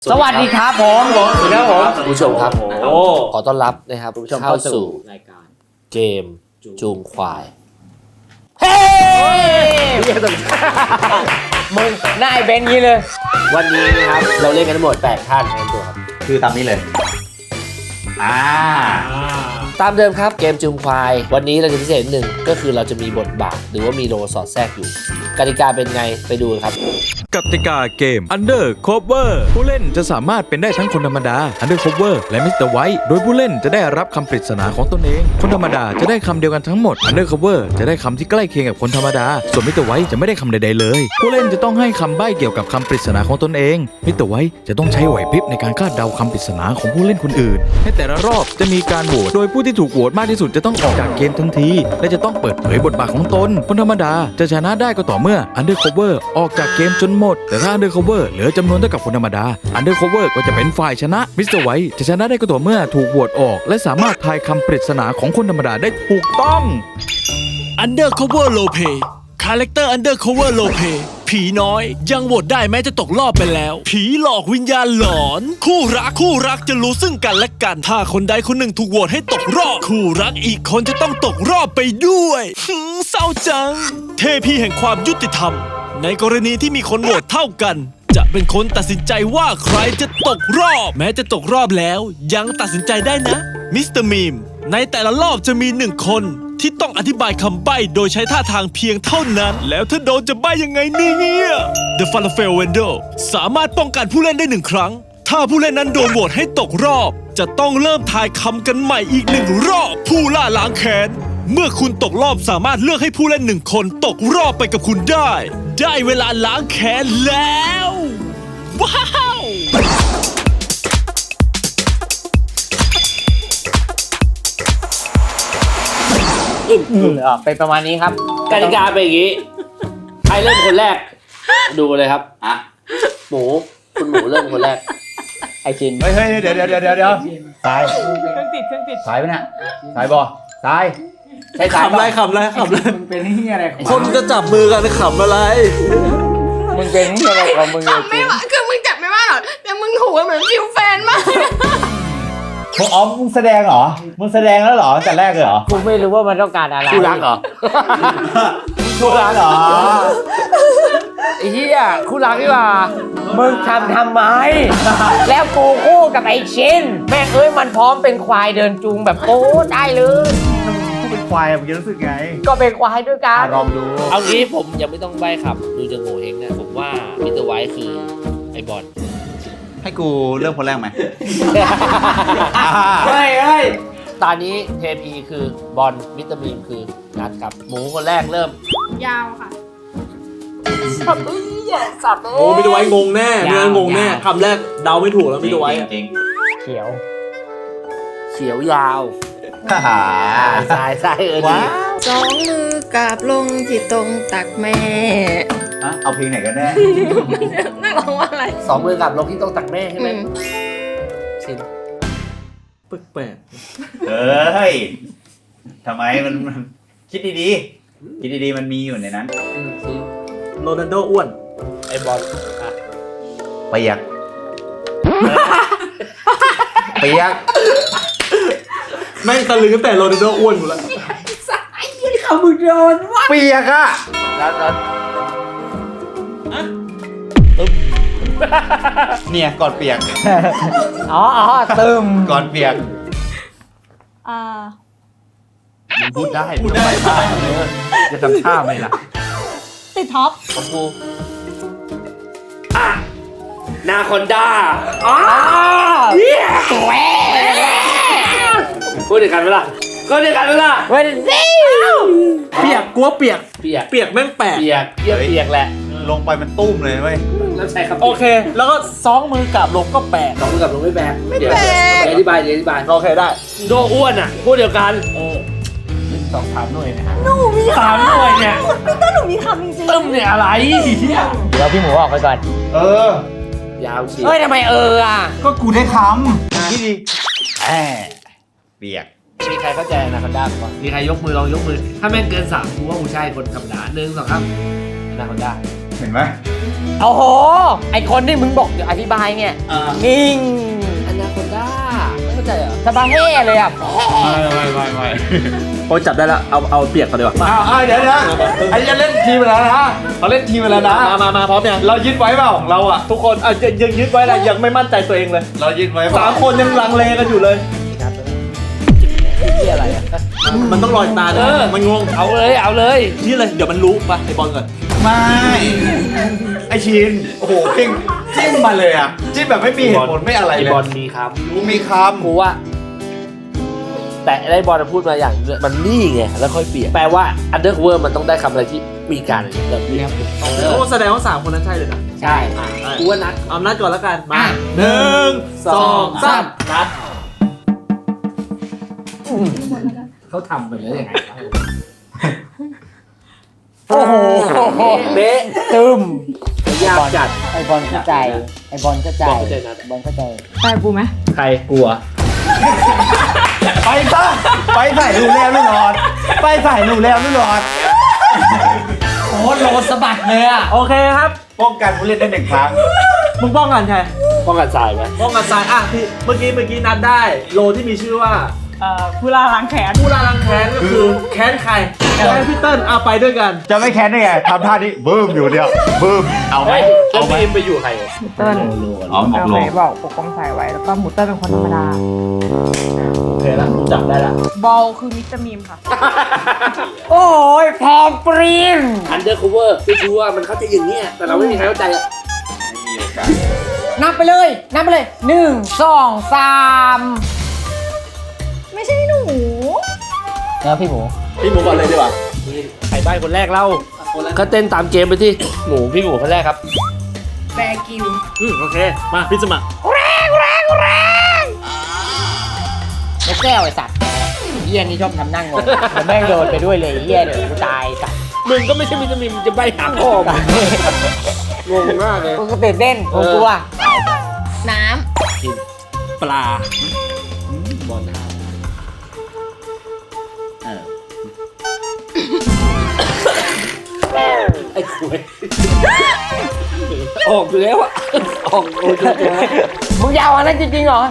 สวัสดีครับผมสวัสดีครับผมผู้ชมครับขอต้อนรับนะครับเข้าสู่รายการเกมจูงควายเฮ้มึงหน้าไอ้เบนงี้เลยวันนี้นะครับเราเล่นกันทั้งหมด8ท่านในตัวครับคือตามนี้เลยตามเดิมครับเกมจูงควายวันนี้เราจะพิเศษหนึ่งก็คือเราจะมีบทบาทหรือว่ามีโลสอดแทรกอยู่กติกาเป็นไงไปดูครับกติกาเกม Undercover ผู้เล่นจะสามารถเป็นได้ทั้งคนธรรมดา Undercover และ Mr. White โดยผู้เล่นจะได้รับคำปริศนาของตนเอง คนธรรมดาจะได้คำเดียวกันทั้งหมด Undercover จะได้คำที่ใกล้เคียงกับคนธรรมดา ส่วน Mr. White จะไม่ได้คำใดๆเลย ผู้เล่นจะต้องให้คำใบ้เกี่ยวกับคำปริศนาของตนเอง Mr. White จะต้องใช้ไหวพริบในการคาดเดาคำปริศนาของผู้เล่นคนอื่นในแต่ละรอบจะมีการโหวตโดยผู้ที่ถูกโหวตมากที่สุดจะต้องออกจากเกมทันทีและจะต้องเปิดเผยบทบาทของตนคนธรรมดาจะชนะได้ก็ต่อเมื่อ Undercover ออกจากเกมจนหมดแต่ถ้า Undercover เหลือจำนวนเท่ากับคนธรรมดา Undercover ก็จะเป็นฝ่ายชนะ Mr. White จะชนะได้ก็ต่อเมื่อถูกโหวตออกและสามารถทายคำปริศนาของคนธรรมดาได้ถูกต้อง Undercover Roleplay คาแรคเตอร์ Undercover Roleplay ผีน้อยยังโหวตได้แม้จะตกรอบไปแล้ว ผีหลอกวิญญาณหลอน คู่รักจะรู้ซึ่งกันและกัน ถ้าคนใดคนหนึ่งถูกโหวตให้ตกรอบ คู่รักอีกคนจะต้องตกรอบไปด้วยเศร้าจัง เทพีแห่งความยุติธรรม ในกรณีที่มีคนโหวตเท่ากัน จะเป็นคนตัดสินใจว่าใครจะตกรอบ แม้จะตกรอบแล้วยังตัดสินใจได้นะมิสเตอร์มีมในแต่ละรอบจะมี1คนที่ต้องอธิบายคำใบ้โดยใช้ท่าทางเพียงเท่านั้นแล้วถ้าโดนจะใบ้ยังไงเนี่ย The Falafel Window สามารถป้องกันผู้เล่นได้1ครั้งถ้าผู้เล่นนั้นโดนโหวตให้ตกรอบจะต้องเริ่มทายคำกันใหม่อีก1รอบผู้ล่าล้างแค้นเมื่อคุณตกรอบสามารถเลือกให้ผู้เล่น1คนตกรอบไปกับคุณได้เวลาล้างแค้นแล้วว้าวเป็นประมาณนี้ครับกติกาเป็นอย่างนี้ใครเริ่มคนแรกดูเลยครับหมูคุณหมูเริ่มคนแรกไอชินเฮ้ยเดี๋ยวสายเครื่องติดสายไปเนี่ยสายบอสายใช้สายขำไรมึงเป็นที่อะไรของคนจะจับมือกันขำอะไรมึงเป็นที่อะไรของมึงจับไม่ว่าคือมึงจับไม่ว่าหรอกแต่มึงถูกเหมือนฟิวแฟนมากมึงแสดงเหรอมึงแสดงแล้วเหรอแต่แรกเลยเหรอกูไม่รู้ว่ามันต้องการอะไรคู่รักเหรอคู่รักเหรอไอ้เหี้ยคู่รักนี่หว่ามึงทำไม แล้วกูคู่กับไอชินแม่งเอ้ยมันพร้อมเป็นควายเดินจูงแบบโอ้ได้เลยกูเป็นควายมึงจะรู้สึกไงก็เป็นควายด้วยกันลองดูเอางี้ผมยังไม่ต้องใบ้ขับดูจะโง่เฮงนะผมว่ามิสเตอร์ไวท์คือไอ้บอลให้กูเริ่มคนแรกไหมเฮ้ยตอนนี้เทพีคือบอลมิสเตอร์บีมคือนัดครับหมูคนแรกเริ่มยาวค่ะโอ้ไม่ได้ไว้งงแน่ไม่งั้นงงแน่คำแรกเดาไม่ถูกแล้วไม่ได้ไว้จริงเขียวเขียวยาวฮ่าฮ่าใช่ดีว้าวสองมือกราบลงที่ตรงตักแม่เอาเพลงไหนกันแน่น่าร้องว่าอะไรสองมือกับลงที่ต้องตักแม่ใช่ไหมชินแปลกเฮ้ยทำไมมันคิดดีๆมันมีอยู่ในนั้นชินโรนัลโดอ้วนไอ้บอลอ่ะเปียก เปียกแม่งตะลึงตั้งแต่โรนัลโดอ้วนหมดแล้วเปียกอะนัดเนี่ยก่อนเปียกอ๋อตึมก่อนเปียกมึงพูดได้พูดได้จะทำท่าไหมล่ะติดท็อปของกูนาคอนด้า พูดเดียวกันไหมล่ะก็เดียวกันไหมล่ะเว้ยซิเปียกกลัวเปียกเปียกเปียกแม่งแปลกเปียกเยี่ยมเปียกแหละลงไปมันตุ้มเลยเว้ยแล้วใช้คำโอเค แล้วก็ซองมือกราบลงก็แปลกลองกับลงไม่แบกเดี๋ยวอธิบายเดี๋ยวอธิบายโอเคได้โดอ้วนอ่ะพูดเดียวกันสองสามหน่วยนะสามหน่วยเนี่ยถ้าหนูมีคำจริงตึ้มเนี่ยอะไรเดี๋ยวพี่หมูออกไปก่อนยาวเชียเฮ้ยทำไมอ่ะก็กูได้คำที่ดีเปียกมีใครเข้าใจนาคอนด้าบ้างมีใครยกมือลองยกมือ ถ้าแม่งเกิน3กูว่ากูใช่คนธรรมดา1 2 3นาคอนด้าเห็นไหมโอ้โห ไอคนที่มึงบอกเดี๋ยวอธิบายเนี่ย นิ่งอนาคอนด้าไม่เข้าใจเหรอสบาเฮ่เลยอ่ะไม่โอ้ยจับได้แล้ว เอาเปียกก่อนดีกว่าเดี๋ยวไอ้จะเล่นทีมไปแล้วนะเราเล่นทีมไปแล้วนะมาพร้อมยังเรายึดไว้เปล่าเราอะทุกคนยังยึดไว้นะยังไม่มั่นใจตัวเองเลยเรายึดไว้เปล่า 3 คนยังลังเลกันอยู่เลยที่อะไรอ่ะมันต้องลอยตานะมันงงเอาเลยเอาเลยนี่เลย เดี๋ยวมันรู้ไปไอ้บอลก่อนไม่ไอชินโอ้โหเพ่งจิ้มมาเลยอะจิ้มแบบไม่มีเหตุผลไม่อะไรไอเลยบอลมีครับกูมีคกูว่า แต่ไอ้บอลมันพูดมาอย่างนึงมันนี่ไงแล้วค่อยเปลี่ยนแปลว่า undercover มันต้องได้คำอะไรที่มีการแบบนี้โอ้แสดงว่า 3 คนนั้นใช่เลยนะใช่กูว่านัดเอานัดก่อนแล้วกัน มา 1 2 3 นัดเขาทำไปแล้วยังไงโอ้โหเบ๊ะตึมยากจัดไอบอลเข้าใจ ไอบอลเข้าใจบอลเข้าใจนะบอลเข้าใจไปกูไหมใครกลัวำไปซะไปใส่รูแล้วไม่รอดไปใส่รูแล้วไม่รอดโอ้โหโลสะบัดเลยอ่ะโอเคครับป้องกันผู้เล่นได้1 ครั้งมึงป้องกันใครป้องกันทรายไหมป้องกันทรายอ่ะที่เมื่อกี้นัดได้ โลที่มีชื่อว่าผู้ล่าล้างแขนผู้ล่าล้างแค้นก็คือแค้นใครแค้นพี่เติ้ลเอาไปด้วยกันจะไม่แค้นได้ไงทำท่านี้บึ้มอยู่เดียวบึ้มเอาไหมแล้วบีมไปอยู่ใครเติ้ลอ๋อหมกลงบอกปกป้องสายไว้ แล้วก็หมูเติ้ลเป็นคนธรรมดาโอเคแล้วรู้จักได้แล้วบอลคือมิสเตอร์มีมค่ะโอ้ยพอปรีน undercover ไม่รู้ว่ามันเข้าใจอย่างเงี้ยแต่เราไม่มีใครเข้าใจอะนับไปเลย นับไปเลย 1 2 3 ไม่ใช่หนูแล้วพี่หมูพี่หมูก่อนเลยดีกว่าใครใบ้คนแรกเล่าก็เต้นตามเกมไปที่หมูพี่หมูคนแรกครับแบกิวโอเค มาพี่สมัครนกแก้วไอสัตว์เฮียนี่ชอบทำนั่งงงผมแม่งโดนไปด้วยเลยเฮียเดี๋ยวกูตายสัตว์มึงก็ไม่ใช่มิสเตอร์มิมจะใบ้หาพ่อมึงงงมากเลยกูก็ตื่นเต้นกูกลัวน้ปลาบอลท่าไอ้คุยออกอยู่แล้วอะออกโอ้ยเจอมึงยาวอันนั้นจริงๆเหรอ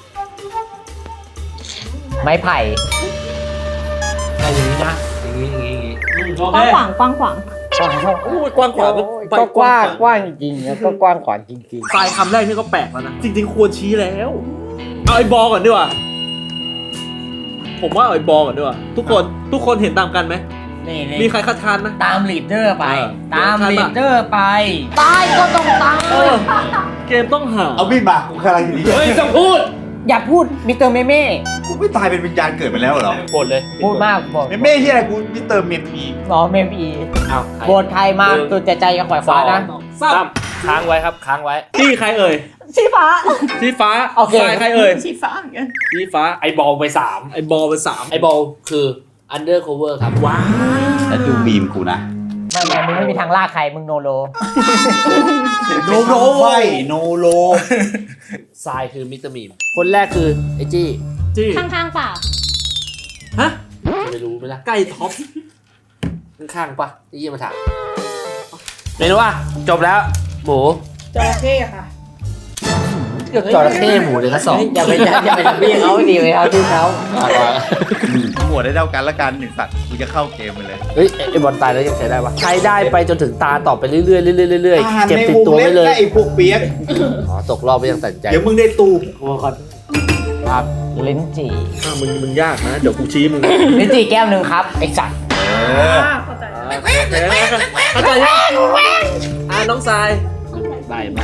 ไม้ไผ่อะไรอย่างนี้นะอย่างนี้อย่างนี้อย่างนี้โอำกเคว้างขวางกว้างขวางโอ้ยกว้างขวางก็กว้างกว้างจริงๆแล้วก็กว้างขวางจริงทรายคำแรกนี่ก็แปลกแล้วนะ จริงๆควรชี้แล้ว เอาไอ้บอลก่อนดีกว่า ผมว่าเอาไอ้บอลก่อนดีกว่า ทุกคนเห็นตามกันไหมๆนี่มีใครคัดค้านไหมตามลีดเดอร์ไปเออตามลีดเดอร์ไป ตายก็ต้องตายเกมต้องหาเอามีดมากูกำลังอยู่ดีเฮ้ยต้องพูดอย่าพูดมิสเตอร์เมเม่กูไม่ตายเป็นวิญญาณเกิดไปแล้วเหรอหมดเลยพูดมากบอกเม่ที่อะไรกูมิสเตอร์เมมีหมอเมมอีเอาโบนใครมาตัวใจกับขวายฟ้านะซ้ำค้างไว้ครับค้างไว้ที่ใครเอ่ยสีฟ้าสีฟ้าโอเคทรายใครเอ่ยสีฟ้าเหมือนกันสีฟ้าไอ้บอลไปสามไอ้บอลเป็น3 ไอ้บอลคือ undercover ครับว้าแล้วดูบีมกูนะไม่มึงไม่มีทางลากใครมึงโนโลโนโนไฟโนโลทรายคือมิสเตอร์มีมคนแรกคือไอ้จี้จี้ข้างๆเปล่าฮะจะไม่รู้ไหมล่ะใกล้ท็อปข้างๆปะไอ้ยี่มาถามไม่รู้ว่าจบแล้วหมูจระเข้ค่ะจระเข้หมูเดือนละสองอย่าไปทำพี่เขาดีเลยเอาที่เขาหมวดได้เท่ากันละกันหนึ่งสัตว์กูจะเข้าเกมไปเลยเฮ้ยไอ้บอลตายแล้วยังใช้ได้ปะใช้ได้ไปจนถึงตาต่อไปเรื่อยๆเรื่อยๆเรื่อยๆเก็บติดตัวไว้เลยไอ้พวกเปียกอ๋อตกรอบไปยังตัดใจเดี๋ยวมึงได้ตูครับลิ้นจี่มึงยากนะ เดี๋ยวกูชี้มึงลิ้นจี่แก้วหนึ่งครับไอ้สัตว์เข้าใจเข้าใจยังน้องทรายได้มาก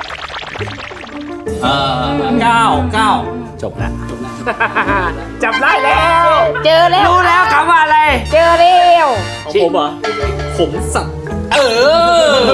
9 จบแล้วจับได้แล้วเจอแล้วรู้แล้วคำว่าอะไรเจอแล้วของผมเหรอขมสัตว์เออ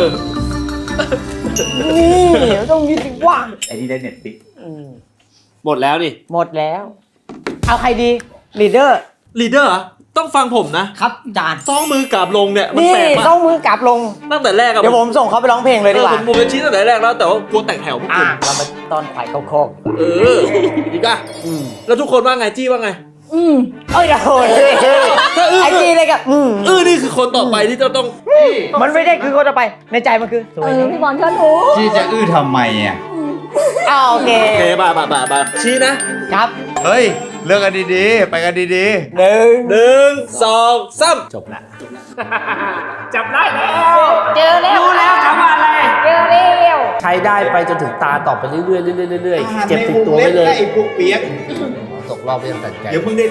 นี่ต้องมีสิว่าไอ้ที่ได้เน็ตฟิกหมดแล้วนี่หมดแล้ว เอาใครดีลีดเดอร์ลีดเดอร์ต้องฟังผมนะครับจานต้องมือกราบลงเนี่ยมันนี่แปลกมาต้องมือกลับลงตั้งแต่แรกอะเดี๋ยวผมส่งเขาไปร้องเพลงเลยดีกว่าผมจะชี้ตั้งแต่แรกแล้วแต่ว่ากลัวแตกแถวพวกคุณเรามาตอนขวายเข้าโคกอีกอะอืมแล้วทุกคนว่าไงจี้ว่าไงเอ้ยโอ้ยไอจีเลยกับนี่คือคนต่อไปที่จะต้องมันไม่ได้คือคนต่อไปในใจมันคือสวยนะพี่บอลเชิญหนูที่จะทำไมอ่ะอ้าวโอเคโอเคบ่าชี้นะครับเฮ้ยเลือกกันดีๆ ไปกันดีหนึ่ง 1 2 3 จบละจับได้แล้วเจอแล้วรู้แล้วคำว่าอะไรเจอแล้วใช้ได้ไปจนถึงตาต่อไปเรื่อยๆเรื่อยๆเก็บติดตัวไว้เลยไอ้พวกเปียกตกรอบไม่ต้องตัดใจเดี๋ยวมึงได้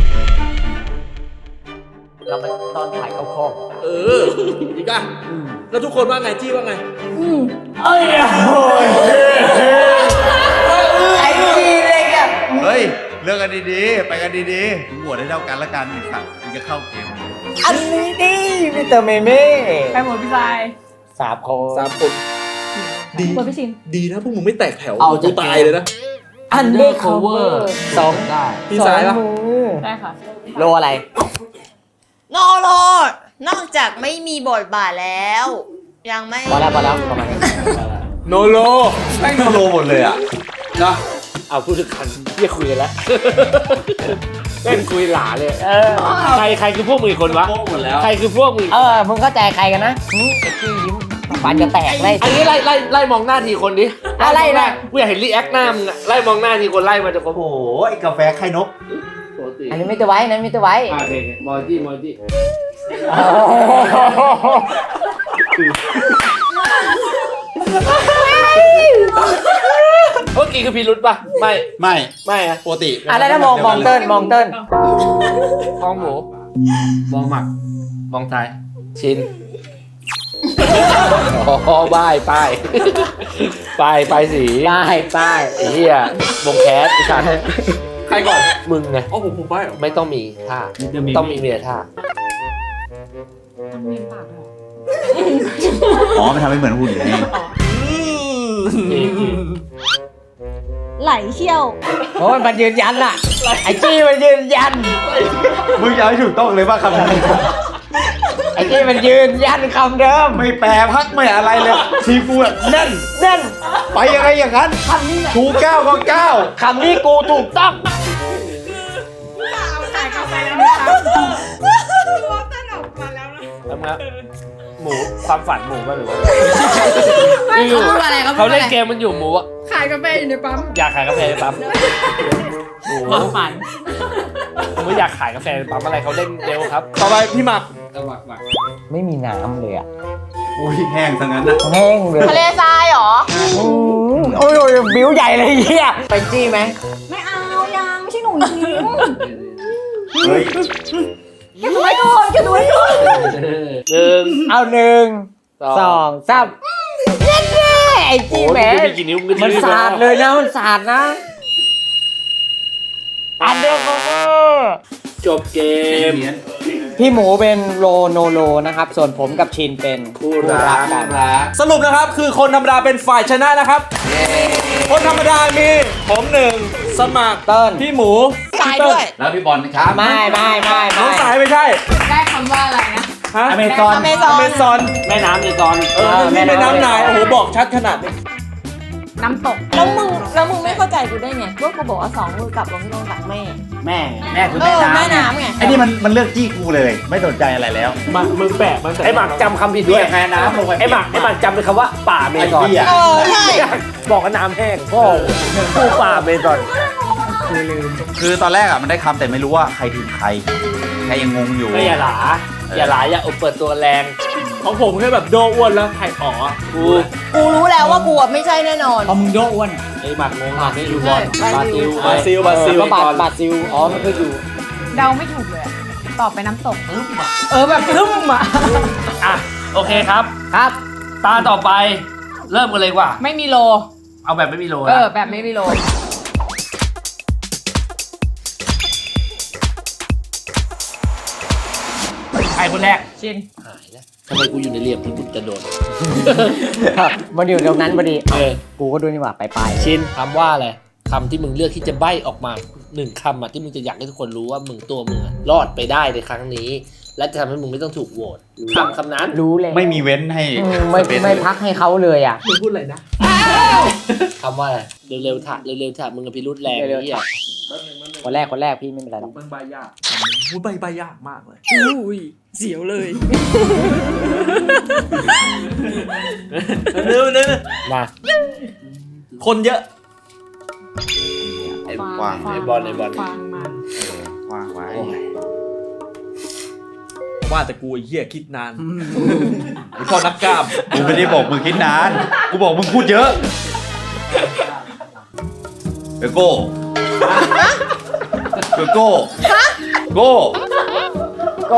เราไปตอนถ่ายเข้าคอกอีกอ่ะแล้วทุกคนว่าไงจี้ว่าไงเอ้ยโอ้ยไอจีเลยกับเฮ้ยเลือกกันดีๆ ไปกันดีๆมึงโหวตให้เท่ากันละกันไอ้สัตว์มึงจะเข้าเกมอันนี้ดิมิสเตอร์เมเม่ใครหมดพี่ชาย 3 คน 3 คนดีหมดพี่ชินดีนะพวกมึงไม่แตกแถวเอาจะกูตายเลยนะอันเดอร์คัฟเวอร์สองได้พี่สายปะมือได้ค่ะโลอะไรโนโลนอกจากไม่มีบทบาทแล้ว ยังไม่พอแล้วประมาณนี้โนโลแม่งโลหมดเลยอ่ะนะเอาพูดถึงกันเรียกคุยกันแล้วเล่นคุยหลาเลยใครคือพวกมึงอีกคนวะโป๊ะหมดแล้วใครคือพวกมึงมึงเข้าใจใครกันนะไอ้จี้ยิ้มฟันจะแตกเลยอันนี้ไล่มองหน้าทีคนดิอะไรนะกูอยากเห็นรีแอคหน้ามึงอะไล่มองหน้าทีคนไล่มาจะครบโอ้โหไอ้กาแฟไข่นกปกติอันนี้ไม่ตัวไว้นั้นไม่ตัวไว้โอเคมอจี้ เมื่อกี้คือพีรุษปะไม่ไม่อะปกติอะไรนะมองเติ้ลมองเติ้ลมองหมูมองหมักมองท้ายชินอ๋อป้ายสีป้ายไอ้เหี้ยวงแคสไอ้สัตว์ใครก่อนมึงไงอ๋อผมไปเหรอไม่ต้องมีท่าต้องมีเมียท่าอ๋อมันทำให้เหมือนหุ่นไงไหลเชี่ยวโอ้ยมันยืนยันอะไอ้จี้มันยืนยันมึงจะเอาให้ถูกต้องเลยว่าคำนั้นไอ้จี้มันยืนยันคำเดิมไม่แปรพักไม่อะไรเลย ทีกูแบบแน่นนั่นไปยังไงอย่างนั้นชูก้าวก็ก้าวคำนี้กูถูกต้องขายกาแฟแล้วนะคะสนุกมาแล้วนะแล้วนะหมูความฝันหมูป่ะหรือว่าไม่เขาพูดอะไรเขาเล่นเกมมันอยู่หมูอะขายกาแฟอยู่ในปั๊มอยากขายกาแฟในปั๊มหมูความฝันผมไม่อยากขายกาแฟในปั๊มอะไรเขาเล่นเร็วครับต่อไปพี่หมักไม่มีน้ำเลยอะอุ้ยแห้งซะงั้นนะแห้งเลยทะเลทรายเหรอโอ้ยบิ้วใหญ่เลยเฮียไปจี้ไหมไม่เอายังไม่ใช่หนูจริงเฮ้ยแค่ดูไว้ก่อนแค่ดูไว้ก่อน 1 เอา 1 2 3ไอ้จี้โอ้แหมยมีกี่นิ้วมันสาดเลยนะมันสาดนะอันเดอร์คัฟเวอร์จบเกมพี่หมูเป็นโลโนโลนะครับ ส่วนผมกับชินเป็นคู่รักกันสรุปนะครับคือคนธรรมดาเป็นฝ่ายชนะนะครับ คนธรรมดามีผม1สมัครเติ้ลพี่หมูสายด้วยแล้วพี่บอลนะครับไม่น้องสายไม่ใช่ได้คำว่าอะไรนะฮะอเมซอนอเมซอนอเมซอนแม่น้ำในตอนนี่เป็นน้ำนายโอ้โหบอกชัดขนาดนี้น้ำตก แล้วมึงไม่เข้าใจกูได้ไงว่ากูบอกว่า2 มือกลับลงที่ต้องตักแม่แม่คือแม่น้ำแม่น้ำไงไอ้นี่มันเลือกจี้กูเลย ไม่สนใจอะไรแล้วมึงแปะมันแต่ไอ้หมักจำคำผิดด้วยแม่น้ำลงไปไอ้หมักจำเป็นคำว่าป่าเมซอนไอ้เหี้ยใช่บอกว่าน้ำแห้งพ่อผู้ป่าเมซอนคือตอนแรกอ่ะมันได้คำแต่ไม่รู้ว่าใครทีมใครยังงงอยู่ก็อย่าหลาอย่าเปิดตัวแรงของผมแค่แบบโดอ้วนแล้วไข่อ๋อกูรู้แล้วว่ากูไม่ใช่แน่นอนเอามึงโดอ้วนไอ้หมักงงไม่ดูบอลใช่บาซิลบาซิลก็บาซิลอ๋อมันก็อยู่เดาไม่ถูกเลยอะตอบไปน้ำตกแบบพึ่มอ่ะอ่ะโอเคครับครับตาต่อไปเริ่มกันเลยดีกว่าไม่มีโลเอาแบบไม่มีโลแบบไม่มีโลใครคนแรกชินหายแล้วทำไมกูอยู่ในเหลี่ยมที่มึงจะโดนมันอยู่ตรงนั้นพอดีกูก็ดูนี่หว่าไปชินคำว่าอะไรคำที่มึงเลือกที่จะใบ้ออกมา1คำอ่ะที่มึงจะอยากให้ทุกคนรู้ว่ามึงตัวมึงอะรอดไปได้ในครั้งนี้ และจะทำให้มึงไม่ต้องถูกโหวตคำนั้นรู้เลยไม่มีเว้นให้ไม่พักให้เขาเลยอ่ะมึงพูดอะไรนะคำว่าอะไรเร็วๆถ่ะมึงกับพิรุธแรงเร็วๆนี่อ่ะคนแรกพี่ไม่เป็นไรหรอกมันใบยากพูดใบยากมากเลยอุ้ยเสียวเลยเร็วมาคนเยอะไอ้กว้างไอ้บอลกว้างไว้ว่าแต่กูไอ้เหี้ยคิดนานไอ้พ่อนักกล้ามกูไม่ได้บอกมึงคิดนาน กูบอกมึงพูดเยอะเอโก้เอโก้โก้โก้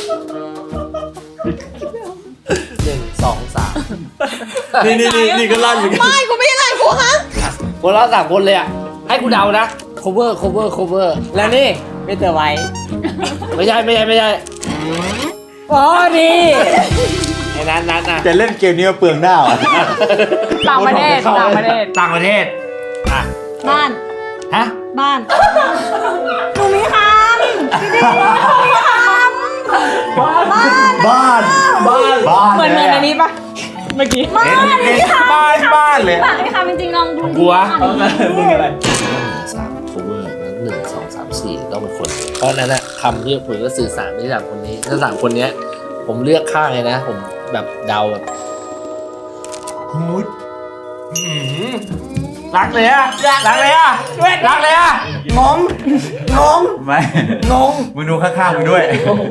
1 2 3 นี่ก็ลั่นเหมือนกันไม่กูไม่ได้ไล่กูฮะคนละ3คนเลยอ่ะให้กูเดานะ cover แล้วนี่มิสเตอร์ไวท์ไม่ใช่อ๋อดีไอ้นั้นนะจะเล่นเกมนี้มาเปลืองหน้าอ่ะต่างประเทศต่างประเทศอ่ะบ้านฮะบ้านหนูมีคำพี่เด็กหนูมีคำบ้านบ้านเหมือนอันนี้ปะเมื่อกี้บ้านบ้านเลยบ้านมีคำจริงๆลองดูกลัวมึงอะไร 3 cover นั้น1 2 3 4ต้องเป็นคน เพราะนั้นนะคำที่ผมก็สื่อสารที่3คนนี้ถ้า3คนเนี้ยผมเลือกข้างเลยนะ ผมแบบเดาแบบฮูดรักเลยอะรักเลยอะรักเลยอะงงไม่งงมึงดูข้างๆมึงด้วย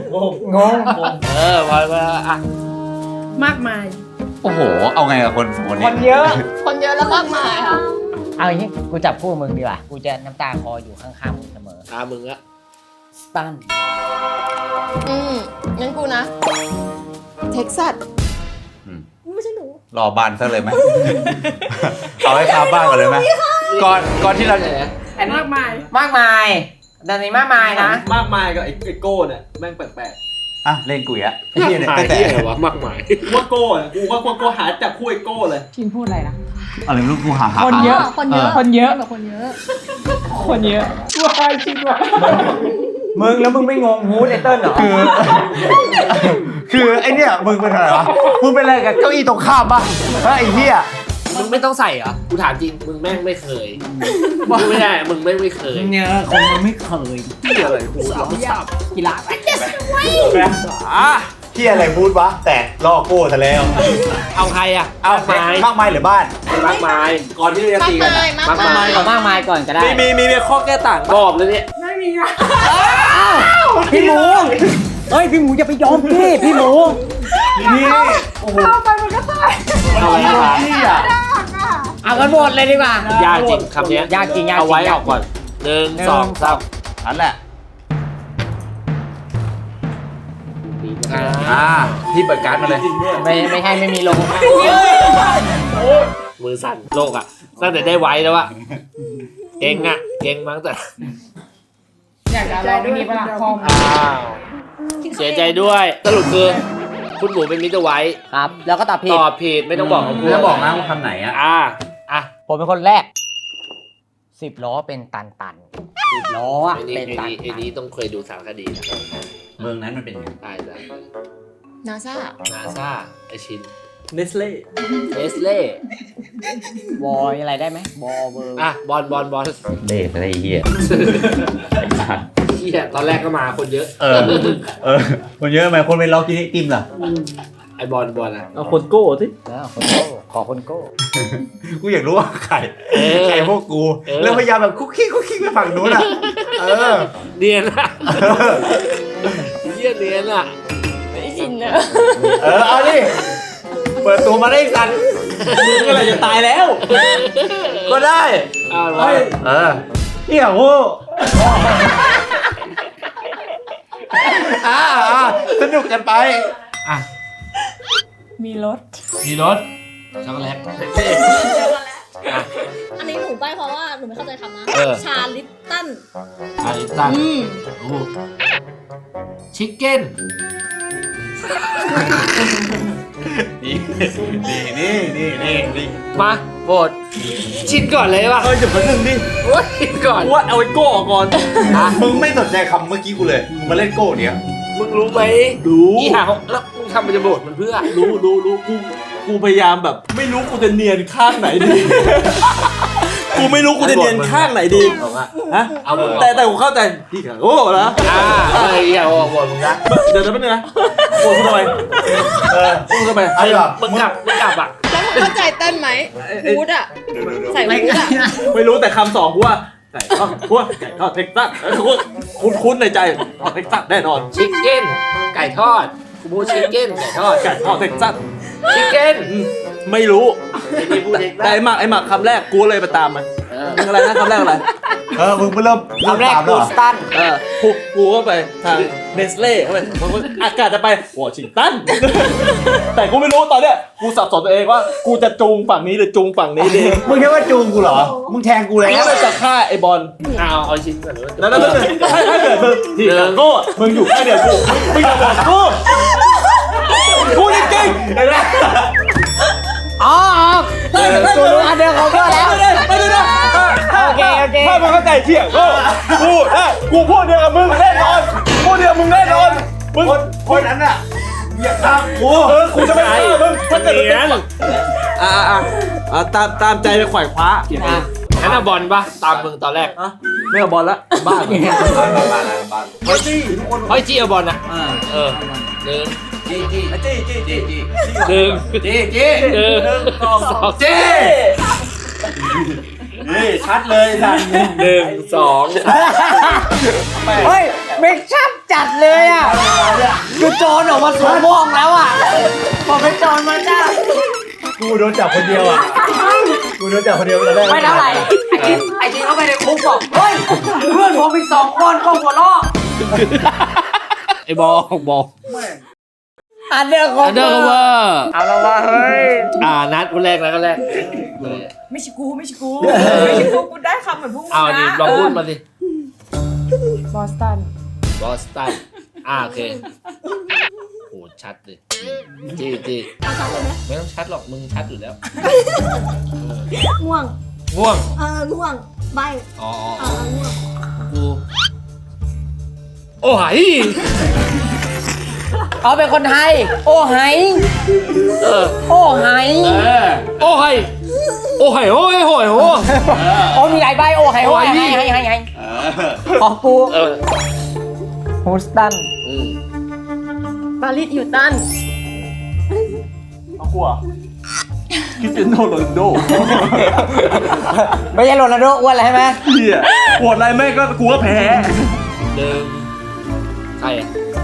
พออ่ะมากมายโอ้โห เอาไงกับคนสองคนคนี้นเยอะคนเยอะแล้วมากมายค่ะเอาอย่างนี้กูจับคู่มึงดีกว่า กูจะน้ำตาคลออยู่ข้างๆมึงเสมอมึงอะสตันงั้นกูนะ เท็กซัสไม่ใช่หนูรอบ้านซะเลยไหม เอาให้คาบ้านก่อนเลยไหมก่อนที่เราจะมากมายมากมายดันนี้มากมายนะมากมายกับไอ้โก้เนี่ยแม่งแปลกอ่ะเล่นกุยอะไอ้เหี้ยเนี่ยแต่แต่อะไรวะมากมายๆกูว่าโก้อะกูว่าโก้หาจับคู่ไอ้โก้เลยชินพูดอะไรนะอะไรไม่รู้กูหาคนเยอะ คนเยอะคนเยอะแบบคนเยอะคนเยอะว้ายชินว่ะมึงแล้วมึงไม่งงฮูดไอเติ้ลเหรอคือไอเนี่ยมึงเป็นอะไรวะ มึงเป็นอะไรกับเก้าอี้ตรงข้ามป่ะไอ้เหี้ยมึงไม่ต้องใส่เหรอ กูถามจริง มึงแม่งไม่เคยมึงไม่ได้ มึงไม่เคยเนี่ยคงมันไม่เคยที่อะไรกูกีฬาเหี้ยอะไรพูดวะ แต่ล่อโก้ซะแล้วเอาใครอะเอามากมายมากมายหรือบ้านมากมายก่อนที่เราจะมากตีกันมายอะมากมายเอามากมายก่อนก็ได้มีข้อแก้ต่างบอกเลยเนี่ยพี่หมูเฮ้ยพี่หมูอย่าไปยอมพี่หมูนี่เข้าไปมันก็ตายเอาอะไรมาเหี้ยเอากันหมดเลยดีกว่ายากจริงคำเนี้ยยากจริงเอาไว้ออกก่อน1 2 3 นั่นแหละ ที่เปิดการ์ดมาเลยไม่ให้ไม่มีลงมือสั่นโลกอะตั้งแต่ได้ไว้แล้วอะเก่งมั้งแต่อยากจะอะไรด้วยนี่ปะล่ะคอมอ้าวเสียใจด้วยสรุปคือคุณหมูเป็นมิสเตอร์ไวท์ครับ แล้วก็ตอบผิดตอบผิดไม่ต้องบอกของกูไม่ต้องบอกนะว่าคำไหนอะอ่ะผมเป็นคนแรก10 ล้อเป็นตัน10 ล้ออะไอ้นี่เป็นตันไอ้นี่ต้องเคยดูสารคดีนะเมืองนั้นมันเป็นยังไงตายแล้วนาซานาซาไอชินเนสเล่เนสเล่บอยอะไรได้ไหมบอเบอร์บอลเล่อะไรเหี้ยเฮียตอนแรกก็มาคนเยอะคนเยอะไหมคนเป็นล็อกกินไอติมล่ะไอบอลอะเอาคนโก้สิแล้วคนโก้ขอคนโก้กูอยากรู้ว่าใครพวกกู แล้วพยายามแบบคุกกี้ไปฝั่งนู้นอ่ะเนียนอะเฮียเนียนอะไม่ชินเนอะเอาดิ เปิดตัวมาได้สันมึงอะไรจะตายแล้วก็ได้เฮ้ยเหี้ยโว้สนุกกันไปมีรถมีรถช็อกโกแลตอันนี้หนูไปเพราะว่าหนูไม่เข้าใจคำนะ ชาลิปตันไอตันชิคเก้นนี่มาโหวตชินก่อนเลยป่ะเดี๋ยวคนหนึ่งดิโอ้ยชินก่อนกูว่าเอาไอ้โก้ออกก่อนมึงไม่สนใจคำเมื่อกี้กูเลยมึงมาเล่นโก้เนี่ยมึงรู้ไหมรู้อีห่าแล้วมึงทำมันจะโหวตมันเพื่อรู้กูพยายามแบบ ไม่รู้กูจะเนียนข้างไหนดีกูไม่รู้กูจะเรียนข้างไหนดีบอกว่าฮะเอาหมดแต่กูเข้าใจพี่โก้นะไอ้เหี้ยบอกมึงนะเดี๋ยวแป๊บนึงนะโอ้ยพูดทำไมพูดทำไมเอาดีกว่ามึงกลับอ่ะแล้วมึงเข้าใจเต้นไหมฮูดอ่ะ ใส่ฮูดอ่ะไม่รู้แต่คำสองกูว่าไก่ทอดกูว่าไก่ทอดเท็กซัสคุ้นในใจทอดเท็กซัสแน่นอนชิคเก้นไก่ทอดกูพูดชิคเก้นไก่ทอดไก่ทอดเท็กซัสชิคเก้นไม่รู้ไอ้นี่พูดเองแต่ไอ้หมักคำแรกกูเลยไปตามมันมึงอะไรนะคำแรกอะไรมึงเริ่มคำแรกตามกูแล้วเหรอสตันกูก็ไปทางเนสเล่เข้าไปอากาศจะไปวอชิงตัน แต่กูไม่รู้ตอนเนี้ยกูสับสนตัวเองว่ากูจะจูงฝั่งนี้หรือจูงฝั่งนี้ดีมึงคิดว่าจูงกูเหรอ มึงแทงกูแล้วกูเลยจะฆ่าไอ้บอลเอาชิ้นก่อนเลยแล้วถ้าเกิดมึงที่โก้มึงอยู่แค่เดียวกูมึงอย่าบอกกูจริงๆเห็นไหมอ๋อกูรู้อันเดอร์คอเวอร์แล้วไม่ได้นะโอเคถ้ามึงเข้าใจเที่ยงกูพูดเดียวกับมึงแน่นอนพูดเดียวมึงแน่นอนมึงคนนั้นอ่ะอย่าฆ่ากูกูจะไม่ฆ่ามึงถ้าเกิดมึงตามใจไปขวายคว้างั้นเอาบอลปะตามมึงตอนแรกไม่เอาบอลละบ้าเฮ้ยจี้เอาบอลนะเออหนึ่งจี้หนึ่งสองนี่ชัดเลยทันหนึ่งสองเฮ้ยเมคชัพจัดเลยอ่ะคือโจรออกมาสวมม่วงแล้วอ่ะพอเป็นโจรมันได้กูโดนจับคนเดียวอ่ะกูโดนจับคนเดียวตอนแรกไม่เท่าไหร่ไอ้จีเข้าไปในคุกบอกเฮ้ยเพื่อนผมอีก2 คนก็หัวเราะไอ้บอลอันเดอร์คออันเดอร์เวอร์เอาละว่าเฮ้ยนัดคนแรกไม่ใช่กูกูได้คำเหมือนพวกมึงเอาดินะลองพูดมาสิบอสตันบอสตันโอเคโหชัดเลยจี้ไม่ต้องชัดหรอกมึงชัดอยู่แล้วง่วงง่วงง่วงใบอ๋อง่วงกูโอ้ยเขาเป็นคนไทย โอ้ไห โอ้ไหโอ้ยโอ้ยโอ้ยโอ้ยโอ้ยโอ้มีหลายใบโอ้ไหโอ้ไหให้ของกูฮูสตันปารีสฮิลตันเอากูอ่ะคริสเตียโนโรนัลโดไม่ใช่โรนัลโดอ้วนอะไรใช่ไหมเฮียปวดอะไรแม่งก็กูก็แพ้หนึ่งใคร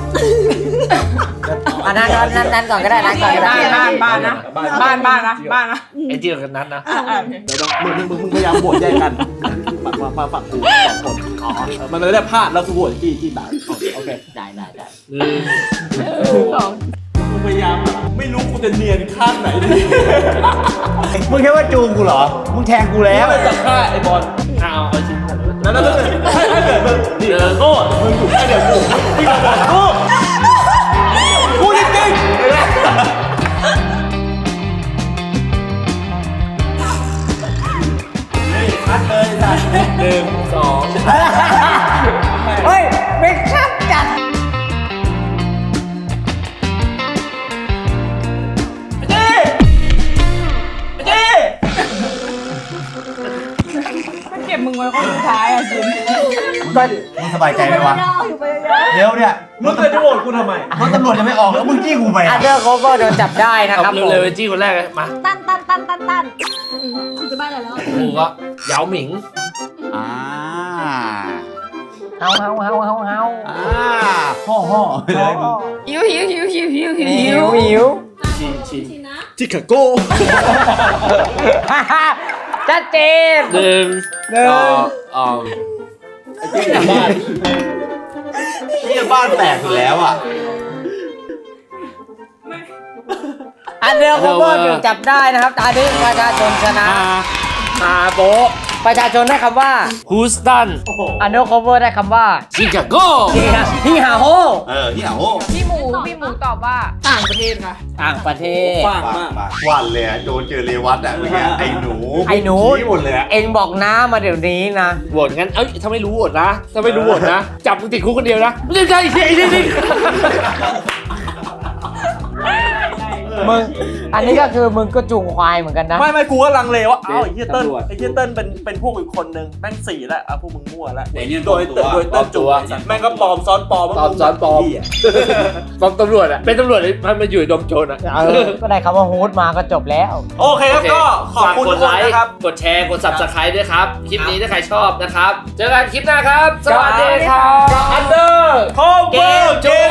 อันนั้นก่อนก็ได้นั้นก่อนก็ได้บ้านนะบ้านนะไอ้เจียวกันนัดนะเดี๋ยวมึงพยายามโหวตแยกกันมาฝั่งกู2 คนมันไม่ได้พลาดแล้วกูโหวตกี่ตายโอเคได้หนึ่งมึงพยายามไม่รู้กูจะเนียนข้างไหนดีมึงคิดว่าจูงกูเหรอ มึงแทงกูแล้วแล้วจะฆ่าไอ้บอลเอาชิ้นก่อนเลยแล้วถ้าเกิดมึงนี่โก้มึงอยู่แค่เดียวกูพี่ก็บอกกูจริงๆชัดเลยจ้ะหนึ่งสองเฮ้ยเมคชัพจัดเก็บมึงไว้คนสุดท้ายอ่ะจิมมึงสบายใจไหมวะอยู่ไปเยอะเดี๋ยวเนี่ยมึงเคยจะโหวตกูทำไมรถตำรวจจะไม่ออกแล้วมึงจี้กูไปอัอ่ะนเดอร์คอเวอร์โดนจับได้นะครับเอาเร็วๆจี้คนแรกเลยมาตันคุณจะบ้านอะไรแล้วกูก็เหยาหมิงอ่าเฮาห่อไปเลยมึงหิวชิคาโก้ชัดเจนหนึ่งสองบ้านนี่บ้านแตกอยู่แล้วอ่ะอันเดอร์คอเวอร์โดนจับได้นะครับตอนนี้ประชาชนชนะมาโบะประชาชนได้คำว่าฮูสตันอันเดอร์คอเวอร์ได้คำว่าชิคาโกพี่หาโฮนี่โอ้พี่หมูตอบว่าต่างประเทศค่ะต่างประเทศฟากมากวันเลยโดนเจอเรวัตอ่ะเมื่อกี้ไอ้หนู ชี้หมดเลยอ่ะเอ็งบอกน้ามาเดี๋ยวนี้นะโหวตงั้นถ้าไม่รู้โหวตนะถ้าไม่รู้โหวตนะจับมึงติดคุกคนเดียวนะไม่ใช่ไอ้นี่มึงอันนี้ก็คือมึงก็จูงควายเหมือนกันนะไม่กูก็ลังเลว่าอ้าวไอ้เหี้ยเติ้ลเป็นพวกอีกคนนึงแม่งสี่แล้วอ่ะพวกมึงมั่วแล้วไอ้เนี่ยโดยเติ้ลจูแม่งก็ปลอมซ้อนปลอมปลอมซ้อนปลอมปลอมตำรวจอะเป็นตำรวจที่มันมาอยู่ในดมโจรอะก็ได้คำว่าฮูดมาก็จบแล้วโอเคครับก็ขอบคุณทุกคนนะครับกดแชร์ กด subscribe ด้วยครับ คลิปนี้ถ้าใครชอบนะครับ เจอกันคลิปหน้าครับ สวัสดีครับ Under เกม